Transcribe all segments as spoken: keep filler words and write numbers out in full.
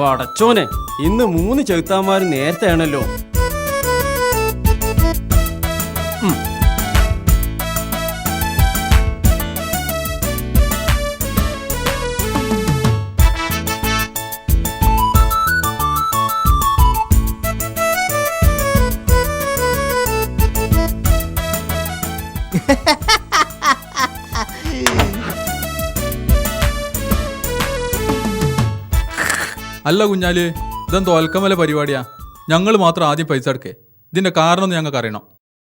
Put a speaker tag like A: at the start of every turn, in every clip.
A: പടച്ചോനെ, ഇന്ന് മൂന്ന് ചെറുത്താന്മാർ നേരത്തെ ആണല്ലോ.
B: അല്ല കുഞ്ഞാല്, ഇതെന്തോ തോൽക്കമല പരിപാടിയാ. ഞങ്ങൾ മാത്രം ആദ്യം പൈസ എടുക്കേ. ഇതിന്റെ കാരണം ഒന്ന് ഞങ്ങൾക്ക് അറിയണം.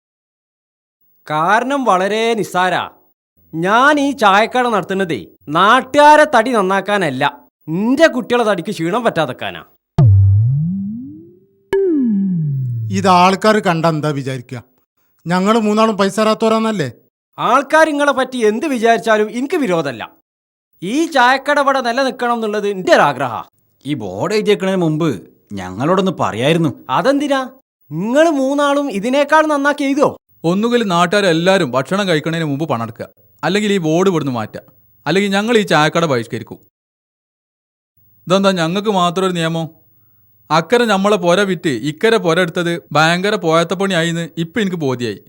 A: കാരണം വളരെ നിസ്സാരാ. ഞാൻ ഈ ചായക്കട നടത്തുന്നതേ നാട്ടുകാരെ തടി നന്നാക്കാനല്ല, എന്റെ കുട്ടികളെ തടിക്ക് ക്ഷീണം പറ്റാതെക്കാനാ.
C: ഇത് ആൾക്കാർ കണ്ട എന്താ വിചാരിക്കുക? ഞങ്ങൾ മൂന്നാളും പൈസ തരാത്തോരാന്നല്ലേ?
A: ആൾക്കാർ നിങ്ങളെ പറ്റി എന്ത് വിചാരിച്ചാലും എനിക്ക് വിരോധമല്ല. ഈ ചായക്കട ഇവിടെ നിലനിൽക്കണം എന്നുള്ളത് എൻ്റെ ഒരാഗ്രഹ.
D: ഈ ബോർഡ് എഴുതിയേക്കുന്നതിന് മുമ്പ് ഞങ്ങളോടൊന്ന് പറയായിരുന്നു.
A: അതെന്തിനാ? നിങ്ങൾ മൂന്നാളും ഇതിനേക്കാൾ നന്നാക്കി എഴുതോ?
B: ഒന്നുകിൽ നാട്ടുകാരെല്ലാവരും ഭക്ഷണം കഴിക്കുന്നതിന് മുമ്പ് പണം എടുക്കുക, അല്ലെങ്കിൽ ഈ ബോർഡ് ഇവിടുന്ന് മാറ്റുക, അല്ലെങ്കിൽ ഞങ്ങൾ ഈ ചായക്കട ബഹിഷ്കരിക്കും. ഇതെന്താ ഞങ്ങൾക്ക് മാത്രം ഒരു നിയമം? അക്കരെ നമ്മളെ പൊര വിറ്റ് ഇക്കരെ പൊര എടുത്തത് ഭയങ്കര പോയത്തപ്പണി ആയിന്ന് ഇപ്പം എനിക്ക് ബോധ്യായി.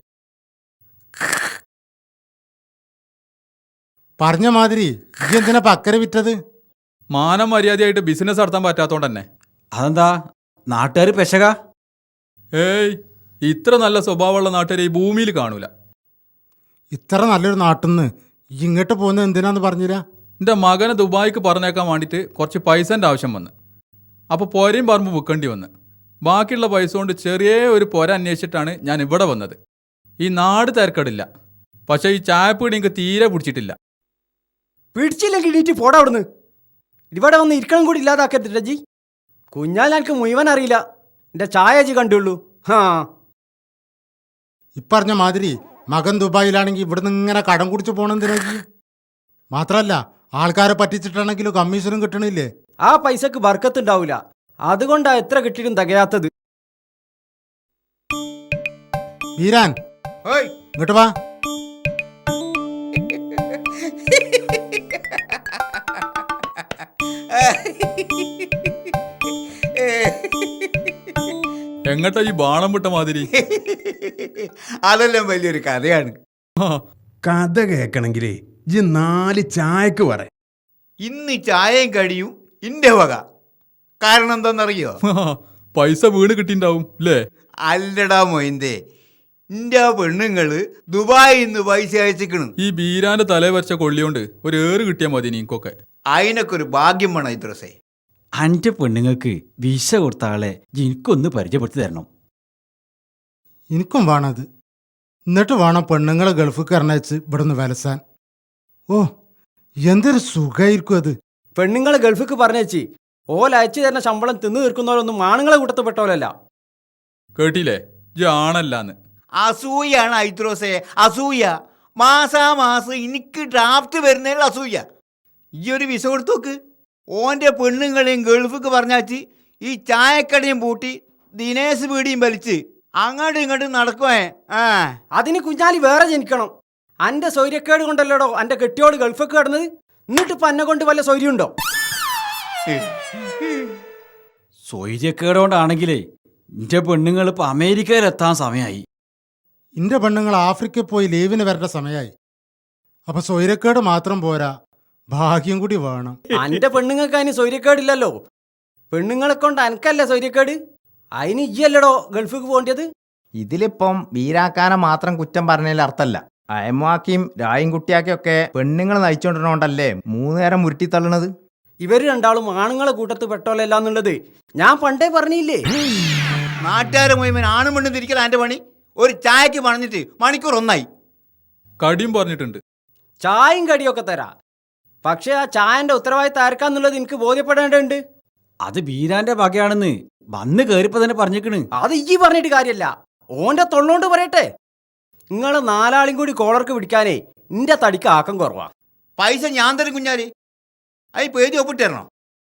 C: പറഞ്ഞ മാതിരി ഈ എന്തിനാ അക്കരെ വിറ്റത്?
B: മാനം മര്യാദയായിട്ട് ബിസിനസ് നടത്താൻ പറ്റാത്തോണ്ട് തന്നെ.
D: അതെന്താ നാട്ടുകാർ പെശക?
B: ഏയ്, ഇത്ര നല്ല സ്വഭാവമുള്ള നാട്ടുകാരെ ഈ ഭൂമിയിൽ കാണൂല.
C: ഇത്ര നല്ലൊരു നാട്ടിന്ന് ഇങ്ങോട്ട് പോകുന്നത് എന്തിനാന്ന് പറഞ്ഞില്ല?
B: എൻ്റെ മകനെ ദുബായിക്ക് പറഞ്ഞേക്കാൻ വേണ്ടിയിട്ട് കുറച്ച് പൈസൻ്റെ ആവശ്യം വന്ന്. അപ്പോൾ പൊരയും പറമ്പ് വിൽക്കേണ്ടി വന്ന്. ബാക്കിയുള്ള പൈസ കൊണ്ട് ചെറിയ ഒരു പൊര അന്വേഷിച്ചിട്ടാണ് ഞാൻ ഇവിടെ വന്നത്. ഈ നാട് തിരക്കടില്ല, പക്ഷേ ഈ ചായപ്പീടി എനിക്ക് തീരെ പിടിച്ചിട്ടില്ല.
A: പിടിച്ചില്ലെങ്കിൽ ഇടീറ്റ് പോടാ അവിടുന്ന്. ഇവിടെ വന്ന് ഇരിക്കണം കൂടി ഇല്ലാതാക്കരുത് ജി. കുഞ്ഞാൽ എനിക്ക് മുഴുവൻ അറിയില്ല, എൻ്റെ ചായ ജി കണ്ടുള്ളൂ. ഹാ,
C: ഇപ്പറഞ്ഞ മാതിരി മകൻ ദുബായിലാണെങ്കിൽ ഇവിടുന്ന് ഇങ്ങനെ കടം കുടിച്ച് പോണെന്തിനാ? മാത്രമല്ല ആൾക്കാരെ പറ്റിച്ചിട്ടാണെങ്കിലും കമ്മീഷനും കിട്ടണില്ലേ?
A: ആ പൈസക്ക് ബർക്കത്തുണ്ടാവില്ല, അതുകൊണ്ടാ എത്ര കിട്ടിയിട്ടും തികയാത്തത്.
C: വീരാൻ, ഇങ്ങോട്ട് വാ.
B: എങ്ങട്ടാ ഈ ബാണം വിട്ട മാതിരി?
E: അതെല്ലാം വലിയൊരു കഥയാണ്. കഥ കേൾക്കണമെങ്കിലേ ഇജ്ജ് നാല് ചായക്ക് പറ. ഇന്ന് ചായയും കഴിയും ഇന്റെ വക. കാരണം എന്താണെന്നറിയോ?
B: പൈസ വീണ് കിട്ടിണ്ടാവും അല്ലേ?
E: അല്ലടാ മൊയിന്തേ, ഇന്റെ പെണ്ണുങ്ങള് ദുബായിൽ നിന്ന് പൈസ അയച്ചിക്കണ്.
B: ഈ ബീരാന്റെ തലേ വരച്ച കൊള്ളിയോണ്ട് ഒരു ഏറ് കിട്ടിയാൽ മതി നീക്കൊക്കെ.
E: അതിനൊക്കെ ഒരു ഭാഗ്യം വേണം ഇദ്രസേ.
D: അൻ്റെ പെണ്ണുങ്ങൾക്ക് വിസ കൊടുത്ത ആളെ എനിക്കൊന്ന് പരിചയപ്പെടുത്തി തരണം.
C: എനിക്കും വേണത്. എന്നിട്ട് വേണം പെണ്ണുങ്ങളെ ഗൾഫ് കറണച്ച് ഇവിടുന്ന് വലസാൻ. ഓ, എന്തൊരു സുഖമായിരിക്കും അത്.
A: പെണ്ണുങ്ങളെ ഗൾഫിക്ക് പറഞ്ഞേച്ചി ഓല അയച്ചു തരുന്ന ശമ്പളം തിന്നു തീർക്കുന്നവരൊന്നും ആണുങ്ങളെ കൂട്ടത്തിൽ പെട്ടോലല്ല.
B: കേട്ടില്ലേ, ജി ആണല്ലാന്ന്.
E: അസൂയാണ് ഐത്രോസേ, അസൂയ. മാസാമാസം എനിക്ക് ഡ്രാഫ്റ്റ് വരുന്നതിൽ അസൂയ. ഈ ഒരു വിസ കൊടുത്തു നോക്ക്. ഓൻ്റെ പെണ്ണുങ്ങളെയും ഗൾഫിക്ക് പറഞ്ഞാച്ച് ഈ ചായക്കടയും പൂട്ടി ദിനേശ് പീടിയും വലിച്ച് അങ്ങോട്ടും ഇങ്ങോട്ടും നടക്കുവേ. ആ,
A: അതിന് കുഞ്ഞാലി വേറെ ജനിക്കണം. അന്റെ സൗര്യക്കേട് കൊണ്ടല്ലോടോ അന്റെ കെട്ടിയോട് ഗൾഫൊക്കെ കിടന്നത്. എന്നിട്ട് ഇപ്പൊ എന്നെ കൊണ്ട് വല്ല സൗര്യമുണ്ടോ?
D: സ്വൈര്യക്കേടോണ്ടാണെങ്കിലേ എൻ്റെ പെണ്ണുങ്ങൾ ഇപ്പൊ അമേരിക്കയിലെത്താൻ സമയമായി.
C: എൻ്റെ പെണ്ണുങ്ങൾ ആഫ്രിക്കയിൽ പോയി ലീവിന് വരേണ്ട സമയമായി. അപ്പൊ സ്വൈരക്കേട് മാത്രം പോരാ, ഭാഗ്യം കൂടി വേണം.
A: അന്റെ പെണ്ണുങ്ങൾക്ക് അതിന് സൗര്യക്കേടില്ലല്ലോ. പെണ്ണുങ്ങളെ കൊണ്ട് അനക്കല്ലേ സൗര്യക്കേട്. അതിന് ഇയ്യല്ലടോ ഗൾഫിക്ക് പോകേണ്ടത്.
F: ഇതിലിപ്പം വീരാക്കാനെ മാത്രം കുറ്റം പറഞ്ഞതിൽ അർത്ഥമല്ല. അയമാക്കിയും രായും കുട്ടിയാക്കിയൊക്കെ പെണ്ണുങ്ങൾ നയിച്ചോണ്ടിരുന്നോണ്ടല്ലേ മൂന്ന് നേരം ഉരുട്ടിത്തള്ളണത്.
A: ഇവര് രണ്ടാളും ആണുങ്ങളെ കൂട്ടത്ത് പെട്ടോലല്ല എന്നുള്ളത് ഞാൻ പണ്ടേ പറഞ്ഞില്ലേ.
E: നാട്ടുകാരെ മുഴുവൻ ആണും പെണ്ണും തിരിക്കല എൻ്റെ പണി. ഒരു ചായക്ക് പറഞ്ഞിട്ട് മണിക്കൂർ ഒന്നായി.
B: കടിയും പറഞ്ഞിട്ടുണ്ട്.
A: ചായയും കടിയൊക്കെ തരാ, പക്ഷെ ആ ചായന്റെ ഉത്തരവാദിത്തം ആർക്കാന്നുള്ളത് എനിക്ക് ബോധ്യപ്പെടേണ്ടതുണ്ട്.
D: അത് ബീരാന്റെ വകയാണെന്ന് വന്ന് കയറിപ്പോ തന്നെ പറഞ്ഞേക്കണ്.
A: അത് ഈ പറഞ്ഞിട്ട് കാര്യമല്ല, ഓന്റെ തൊള്ളോണ്ട് പറയട്ടെ. നിങ്ങളെ നാലാളും കൂടി കോളർക്ക് പിടിക്കാനേ നിന്റെ തടിക്ക് ആക്കം കുറവാ.
E: പൈസ ഞാൻ തരും കുഞ്ഞാലി, അത് പേര് ഒപ്പിട്ട് തരണോ?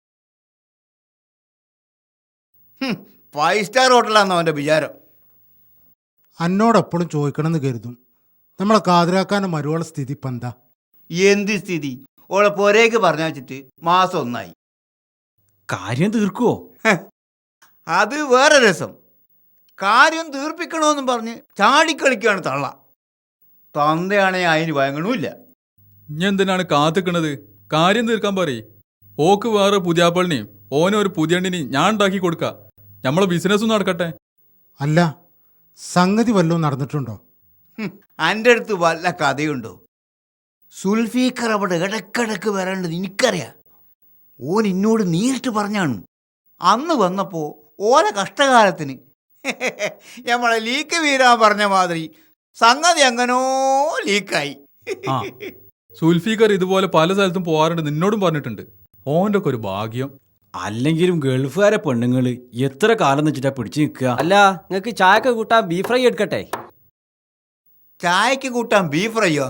E: ഫൈവ് സ്റ്റാർ ഹോട്ടലാണെന്നോ അവൻ്റെ വിചാരം.
C: എന്നോടെപ്പോഴും ചോദിക്കണമെന്ന് കരുതും, നമ്മളെ കാതിരാക്കാൻ്റെ മരുവള സ്ഥിതി ഇപ്പം എന്താ?
E: എന്ത് സ്ഥിതി? ഓളെ പൊരേക്ക് പറഞ്ഞു വെച്ചിട്ട് മാസം ഒന്നായി.
D: കാര്യം തീർക്കുവോ?
E: അത് വേറെ രസം. കാര്യം തീർപ്പിക്കണമെന്നും പറഞ്ഞ് ചാടിക്കളിക്കുകയാണ് തള്ള. തന്തയാണെങ്കിൽ അതിന് വഴങ്ങണമില്ല.
B: ഇനി എന്തിനാണ് കാത്തിക്കണത്? കാര്യം തീർക്കാൻ പറയ്. ഓക്ക് വേറെ പുതിയാപ്പളിനെയും ഓനൊരു പുതിയണ്ണിനെയും ഞാൻ ഉണ്ടാക്കി കൊടുക്ക. നമ്മളെ ബിസിനസ്സും നടക്കട്ടെ.
C: അല്ല, സംഗതി വല്ലതും നടന്നിട്ടുണ്ടോ?
E: എൻ്റെ അടുത്ത് വല്ല കഥയുണ്ടോ? സുൽഫീഖർ അവിടെ ഇടക്കിടക്ക് വരേണ്ടത് എനിക്കറിയാം. ഓൻ എന്നോട് നേരിട്ട് പറഞ്ഞാണ്. അന്ന് വന്നപ്പോൾ ഓല കഷ്ടകാലത്തിന് നമ്മളെ ലീക്ക് വീരാൻ പറഞ്ഞ മാതിരി സംഗതി എങ്ങനോ ലീക്കായി.
B: ആ സുൽഫീഖർ ഇതുപോലെ പല സ്ഥലത്തും പോകാറുണ്ട്, നിന്നോടും പറഞ്ഞിട്ടുണ്ട്. ഓൻ്റെ ഒക്കെ ഒരു ഭാഗ്യം.
D: അല്ലെങ്കിലും ഗൾഫുകാരെ പെണ്ണുങ്ങള് എത്ര കാലം വെച്ചിട്ടാ പിടിച്ചു നിൽക്കുക?
A: അല്ല, നിങ്ങൾക്ക് ചായക്ക് കൂട്ടാൻ ബീഫ് ഫ്രൈ എടുക്കട്ടെ?
E: ചായക്ക് കൂട്ടാൻ ബീഫ് ഫ്രൈയോ?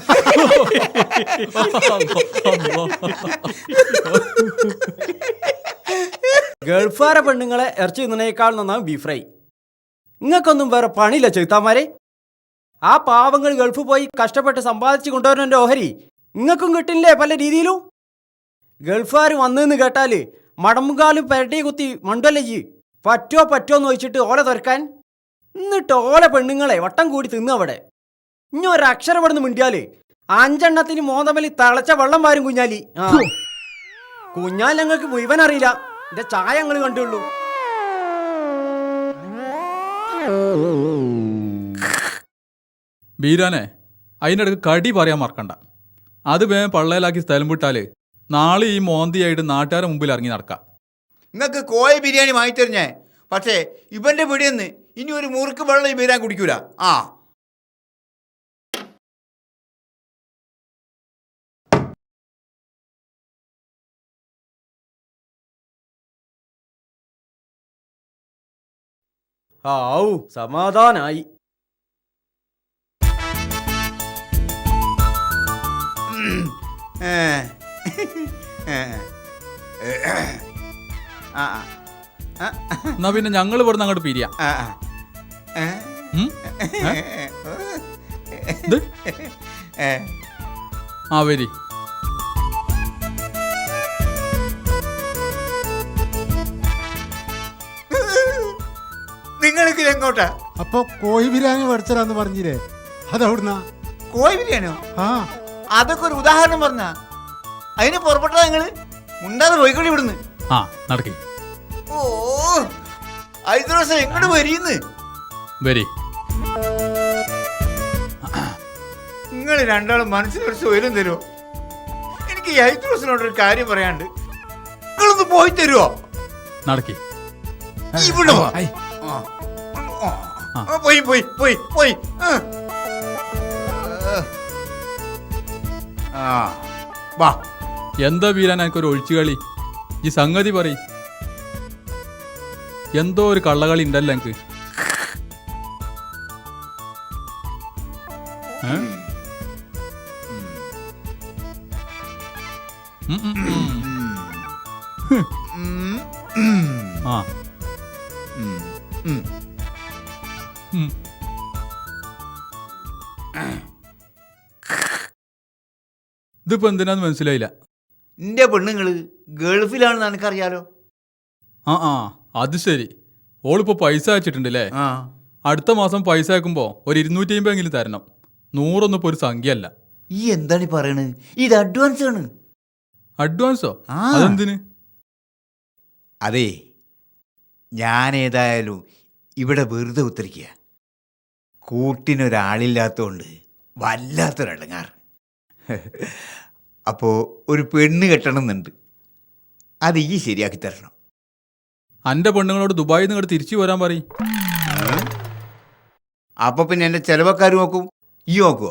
A: ഗൾഫുകാരെ പെണ്ണുങ്ങളെ ഇറച്ചി തിന്നണേക്കാൾ നന്നാവും ബീഫ് ഫ്രൈ. നിങ്ങൾക്കൊന്നും വേറെ പണിയില്ല ചെറുത്താന്മാരെ. ആ പാവങ്ങൾ ഗൾഫ് പോയി കഷ്ടപ്പെട്ട് സമ്പാദിച്ച് കൊണ്ടുവരുന്നതിൻ്റെ ഓഹരി നിങ്ങൾക്കും കിട്ടില്ലേ പല രീതിയിലും? ഗൾഫുകാർ വന്നെന്ന് കേട്ടാൽ മടമ്പുകാലും പെരട്ടി കുത്തി മണ്ടല്ലേ ജി പറ്റോ പറ്റോ എന്ന് ചോദിച്ചിട്ട് ഓല തുറക്കാൻ. എന്നിട്ട് ഓല പെണ്ണുങ്ങളെ വട്ടം കൂടി തിന്നു അവിടെ. ഇനി ഒരക്ഷരം ഇവിടുന്ന് മിണ്ടിയാല് അഞ്ചെണ്ണത്തിന് മോന്തമലി തിളച്ച വെള്ളം വാരും കുഞ്ഞാലി. ആ കുഞ്ഞാൽ ഞങ്ങൾക്ക് മുഴുവൻ അറിയില്ല, എന്റെ ചായ ഞങ്ങൾ കണ്ടുള്ളൂ.
B: ബീരാനെ, അതിനിടക്ക് കടി പറയാൻ മറക്കണ്ട. അത് വേഗം പള്ളയിലാക്കി സ്ഥലം വിട്ടാല് നാളെ ഈ മോന്തിയായിട്ട് നാട്ടുകാരുടെ മുമ്പിൽ ഇറങ്ങി നടക്കാം.
E: നിങ്ങൾക്ക് കോഴി ബിരിയാണി വാങ്ങിത്തരിഞ്ഞേ, പക്ഷേ ഇവൻ്റെ പിടിയെന്ന് ഇനി ഒരു മുറുക്ക് വെള്ളം ഈ ബിരിയാണി കുടിക്കൂല. ആ
A: ഔ സമാധാനായി.
E: ഏ. ഏ. ആ ആ.
B: എന്നാ പിന്നെ ഞങ്ങൾ ഇവിടുന്ന് അങ്ങോട്ട് പിരിയാം.
E: ആ ആ. ഏ.
B: ഉം? ഏ? ഇത്?
E: ഏ.
B: ആ വരി.
E: നിങ്ങൾക്ക് എങ്ങോട്ടാ?
C: അപ്പൊ കോഴി ബിരിയാണി മേടിച്ചരാന്ന് പറഞ്ഞില്ലേ, അതെവിടുന്നാ?
E: കോഴി ബിരിയാണിയോ?
C: ആ
E: അതൊക്കെ ഒരു ഉദാഹരണം പറഞ്ഞ അതിന് പുറപ്പെട്ടതാ നിങ്ങള്. മുണ്ടാതെ പോയിക്കൂടി ഇവിടുന്ന്.
B: ആ നടക്കി
E: ഓ ഐదు ദിവസം എങ്ങോട്ട് വരീന്ന്.
B: വരി.
E: നിങ്ങൾ രണ്ടാളും മനസ്സിലൊരു സ്വയം തരുമോ? എനിക്ക് ഈ ഐదు ദിവസത്തിനോടൊരു കാര്യം പറയാണ്ട്. നിങ്ങളൊന്ന് പോയി തരുമോ?
B: നടക്കി.
E: ഇവിടെ വാ.
B: ഐ.
E: ആ. ആ, പോയി പോയി പോയി പോയി. ആ. ആ വാ.
B: എന്താ വീരാൻ എനിക്കൊരു ഒഴിച്ചുകളി? ഈ സംഗതി പറ. എന്തോ ഒരു കള്ളകളി ഉണ്ടല്ലോ എനിക്ക്. ഏ? ഉം, ഉം, ഉം.
E: ഉം, ഉം,
B: ആ
E: ഉം, ഉം.
B: ഉം. ഇതിപ്പോ എന്തിനാന്ന് മനസ്സിലായില്ല.
E: നിന്റെ പെണ്ണുങ്ങള് ഗൾഫിലാണെന്ന് എനിക്കറിയാലോ.
B: ആ ആ അത് ശരി. ഓളിപ്പോ പൈസ അയച്ചിട്ടുണ്ടല്ലേ?
E: ആ
B: അടുത്ത മാസം പൈസ അയക്കുമ്പോ ഒരു ഇരുന്നൂറ്റി അമ്പത് എങ്കിലും തരണം. നൂറൊന്നും ഇപ്പൊ ഒരു സംഖ്യ അല്ല.
E: ഈ എന്താണ് ഈ പറയണത്? ഇത് അഡ്വാൻസ് ആണ്.
B: അഡ്വാൻസോ?
E: ആ.
B: അതെന്തിന്?
E: അതെ, ഞാൻ ഏതായാലും ഇവിടെ വെറുതെ ഉത്തരിക്കുക. കൂട്ടിനൊരാളില്ലാത്തതുകൊണ്ട് വല്ലാത്തൊരടങ്ങാറ്. അപ്പോൾ ഒരു പെണ്ണ് കെട്ടണമെന്നുണ്ട്. അത് ഈ ശരിയാക്കി തരണം.
B: അന്റെ പെണ്ണുങ്ങളോട് ദുബായിൽ നിന്ന് ഇങ്ങോട്ട് തിരിച്ചു വരാൻ പറയും.
E: അപ്പോൾ പിന്നെ എൻ്റെ ചിലവക്കാർ നോക്കും, ഈ നോക്കുവോ?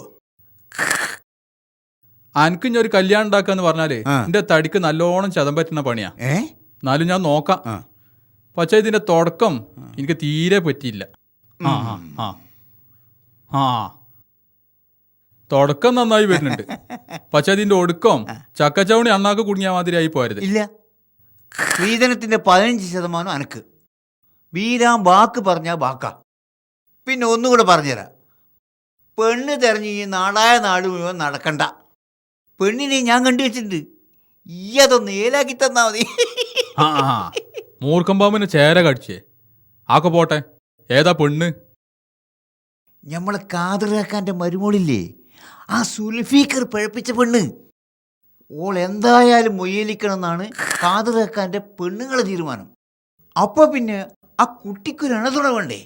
B: അനക്ക് ഞാൻ ഒരു കല്യാണം ഉണ്ടാക്കാന്ന് പറഞ്ഞാല്
E: ആ.
B: എന്റെ തടിക്ക് നല്ലോണം ചതം പറ്റുന്ന പണിയാ.
E: ഏ
B: എന്നാലും ഞാൻ നോക്കാം.
E: ആ.
B: പക്ഷേ ഇതിന്റെ തുടക്കം എനിക്ക് തീരെ പറ്റിയില്ല. ആ ആ ആ ആ തുടക്കം നന്നായി വരുന്നുണ്ട്. പക്ഷെ അതിന്റെ ഒടുക്കം ചക്കച്ചവണി അണ്ണാക്ക് കുടുങ്ങിയ മാതിരിയായി പോരുത്.
E: ഇല്ല, സ്ത്രീധനത്തിൻ്റെ പതിനഞ്ച് ശതമാനം അനക്ക്. വീരാൻ വാക്ക് പറഞ്ഞാൽ വാക്കാ. പിന്നെ ഒന്നുകൂടെ പറഞ്ഞുതരാം. പെണ്ണ് തെരഞ്ഞ് ഈ നാടായ നാട് മുഴുവൻ നടക്കണ്ട. പെണ്ണിനെ ഞാൻ കണ്ടു വെച്ചിട്ടുണ്ട്. ഈ അതൊന്ന് ഏലാക്കി തന്നാ മതി.
B: ആ ആ മൂർഖം പാമ്പിന് ചേര കടിച്ചേ ആക്കെ പോട്ടെ. ഏതാ പെണ്ണ്?
E: നമ്മളെ കാതറാക്കാൻ്റെ മരുമോളില്ലേ, ആ സുൽഫീക്കർ പഴപ്പിച്ച പെണ്ണ്. ഓൾ എന്തായാലും മൊയ്യലിക്കണം എന്നാണ് കാതറാക്കാൻ്റെ പെണ്ണുങ്ങളെ തീരുമാനം. അപ്പൊ പിന്നെ ആ കുട്ടിക്കൊരു അണതുണ വേണ്ടേ?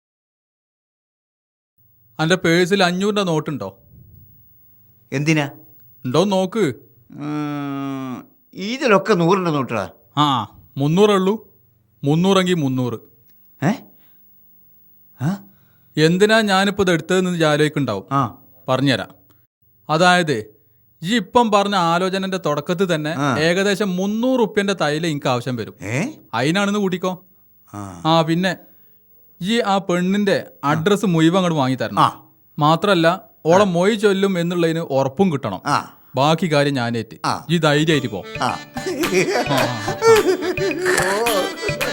B: എൻ്റെ പേഴ്സിൽ അഞ്ഞൂറിൻ്റെ നോട്ടുണ്ടോ?
E: എന്തിനാ?
B: ഉണ്ടോ നോക്ക്.
E: ഉം, ഇതിലൊക്കെ നൂറിൻ്റെ നോട്ടാ.
B: ആ മുന്നൂറേ ഉള്ളൂ. മുന്നൂറെങ്കിൽ മുന്നൂറ്.
E: ഏ ആ
B: എന്തിനാ ഞാനിപ്പോൾ ഇത് എടുത്തതെന്ന് ആലോചിക്കുന്നുണ്ടാവും.
E: ആ
B: പറഞ്ഞുതരാം. അതായത് ഈ ഇപ്പം പറഞ്ഞ ആലോചനന്റെ തുടക്കത്തിൽ തന്നെ
E: ആ.
B: ഏകദേശം മുന്നൂറ് റുപ്യന്റെ തൈല എനിക്ക് ആവശ്യം വരും.
E: ഏ
B: അതിനാണെന്ന് കൂട്ടിക്കോ.
E: ആ
B: ആ പിന്നെ ഈ ആ പെണ്ണിന്റെ അഡ്രസ്സ് മുഴുവൻ അങ്ങോട്ട് വാങ്ങി തരണം.
E: ആ
B: മാത്രല്ല ഓളെ മൊയ് ചൊല്ലും എന്നുള്ളതിന് ഉറപ്പും കിട്ടണം.
E: ആ
B: ബാക്കി കാര്യം ഞാനേറ്റ്.
E: ആ.
B: ഈ ധൈര്യമായിട്ട് പോ.
E: ആ
B: ആ, ആ, ആ.